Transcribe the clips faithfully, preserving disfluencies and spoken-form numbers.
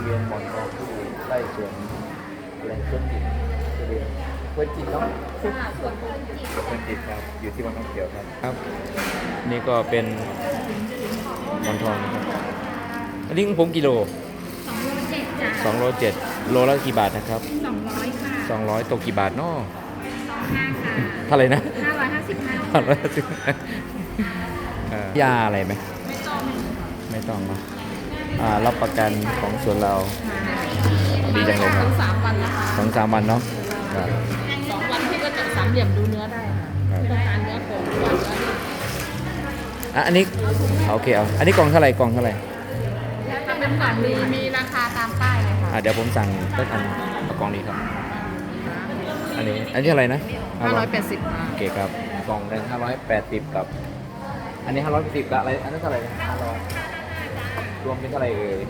วียนหมอนทองที่ไร่สวนอะไรสวนจิตทุเรียนสวนจิตเนาะค่ะส่วนพื้นจิตสวนจิตครับอยู่ที่วังน้ำเขียวครับครับ นี่ก็เป็นหมอนทองนะครับอันนี้ของผมกิโลสองโลเจ็ดจ้ะสองโลเจ็ดโลละกี่บาทนะครับสองร้อยค่ะสองร้อยตกกี่บาทเนาะสองห้าค่ะเท่าไหร่นะห้าร้อยห้าสิบห้าห้าร้อยห้าสิบเอ่อยาอะไรไหมไม่ต้องไม่ต้องเนาะอ่ารับประกันของส่วนเรา ดีจังเลยครับสามวันนะคะสองสามวันเนาะครับสองวันพี่ก็จะสามเหลี่ยมดูเนื้อได้ค่ะครับต้องการเนื้อโขงก่อนแล้วนี่อ่ะอันนี้โอเคเอาอันนี้กล่องเท่าไหร่กล่องเท่าไหร่แล้วก็น้ำหนักมีมีราคาตามป้ายเลยค่ะอ่ะเดี๋ยวผมสั่งสักอันเอากล่องนี้ครับ อันนี้อันนี้อะไรนะห้าร้อยแปดสิบค่ะโอเคครับกล่องหนึ่งห้าร้อยแปดสิบกับ อันนี้ห้าร้อยแปดสิบกับอะไรอันนั้นเท่าไหร่นะห้าร้อยรวมเป็นเท่าไหร่เอ่ย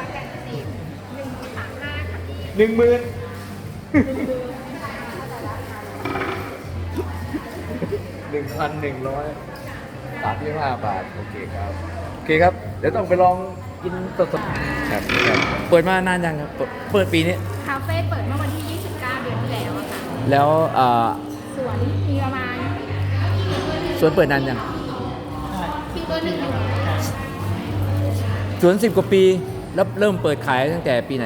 หนึ่งหมื่นหนึ่งพันหนึ่งร้อยสามสิบห้าบาทโอเคครับโอเคครับเดี๋ยวต้องไปลองกินสดๆครับครับเปิดมานานยังครับเปิดเปิดปีนี้คาเฟ่เปิดเมื่อวันที่ยี่สิบเก้าเดือนที่แล้วอะค่ะแล้วเอ่อสวนมีประมาณสวนเปิดนานยังที่เบอร์หนึ่งอยู่สวนสิบกว่าปีแล้วเริ่มเปิดขายตั้งแต่ปีไหน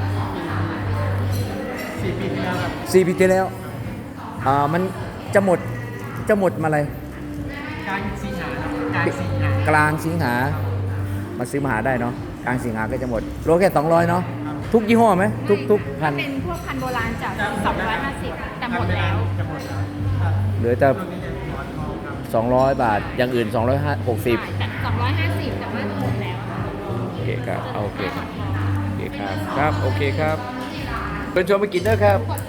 สี่ปีที่แล้วสี่ปีที่แล้วอ่ามันจะหมดจะหมดมาอะไรกลางสิงหาครับกลางสิงหากลางสิงหามาซื้อมาหาได้เนาะกลางสิงหาก็จะหมดโลแค่สองร้อยเนาะทุกยี่ห้อไหมทุกทุกพันเป็นพวกพันธุ์โบราณจากสองร้อยห้าสิบแต่หมดแล้วจะหมดแล้วครับเหลือแต่ช่วงนี้จะหมอนทองครับสองร้อยบาทอย่างอื่นสองร้อยหกสิบแต่สองร้อยห้าสิบแต่ว่าหมดแล้วอะโอเคครับเอาโอเคครับโอเคครับครับโอเคครับเป็นชวนมากินเด้อครับกด